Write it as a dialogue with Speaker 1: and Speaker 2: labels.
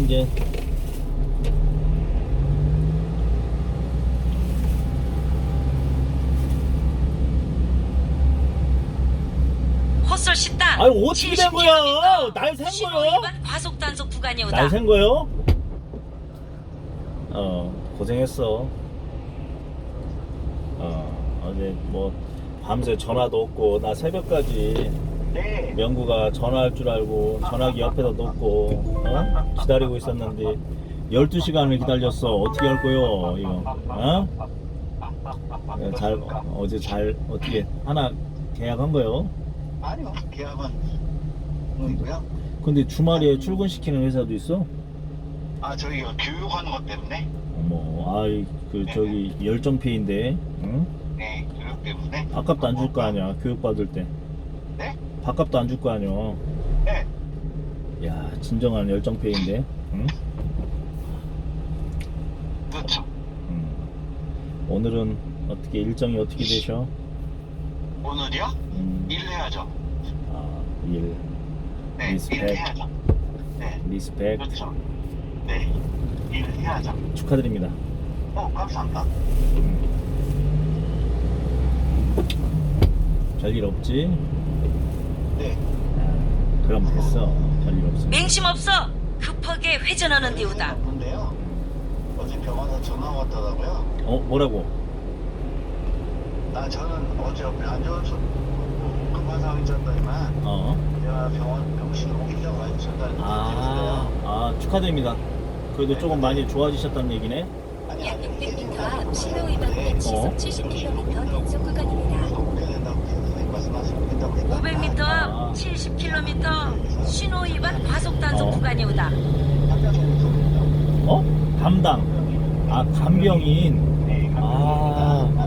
Speaker 1: 이제.
Speaker 2: 헛설 식당.
Speaker 1: 아니 어떻게 된 거야? 날 샌
Speaker 2: 신호
Speaker 1: 거요?
Speaker 2: 위반 과속 단속 구간이 오다.
Speaker 1: 날 샌 거요? 고생했어. 어제 뭐 밤새 전화도 없고 나 새벽까지
Speaker 3: 네.
Speaker 1: 명구가 전화할 줄 알고 전화기 옆에다 놓고 기다리고 있었는데 12시간을 기다렸어. 어떻게 할 거요 이거? 어제 잘 어떻게 하나 계약한 거요?
Speaker 3: 아니요. 계약은 뭐이고요?
Speaker 1: 근데 주말에 출근시키는 회사도 있어?
Speaker 3: 아, 저희가 교육하는 것 때문에.
Speaker 1: 어머, 아이 저기 열정페이인데, 응?
Speaker 3: 네, 교육 때문에.
Speaker 1: 밥값도 안 줄 거 아니야 교육 받을 때.
Speaker 3: 네?
Speaker 1: 밥값도 안 줄 거 아니야.
Speaker 3: 네.
Speaker 1: 야 진정한 열정페이인데, 응?
Speaker 3: 그렇죠.
Speaker 1: 오늘은 어떻게 일정이 어떻게 되셔?
Speaker 3: 오늘이요? 일해야죠.
Speaker 1: 일
Speaker 3: 네,
Speaker 1: 리스펙.
Speaker 3: 일해야죠. 네,
Speaker 1: 리스펙
Speaker 3: 그렇죠. 네, 일해야죠.
Speaker 1: 축하드립니다.
Speaker 3: 감사합니다.
Speaker 1: 별일 없지?
Speaker 3: 네.
Speaker 1: 그럼 됐어. 별일 없어.
Speaker 2: 맹심 없어. 급하게 회전하는 데오다.
Speaker 3: 없는데요. 어제 병원에서 전화 왔더라고요.
Speaker 1: 뭐라고?
Speaker 3: 저는 어제 안 좋은 급한 상황이 있었더니만 제가 병실 옮기려고 많이 전달했어요.
Speaker 1: 축하드립니다. 그래도 조금 많이 좋아지셨다는 얘기네.
Speaker 4: 약 600m 앞 신호 위반 시속 70km 단속 구간입니다.
Speaker 2: 500m 앞 70km 신호 위반 과속 단속 구간이 오다.
Speaker 1: 담당. 간병인.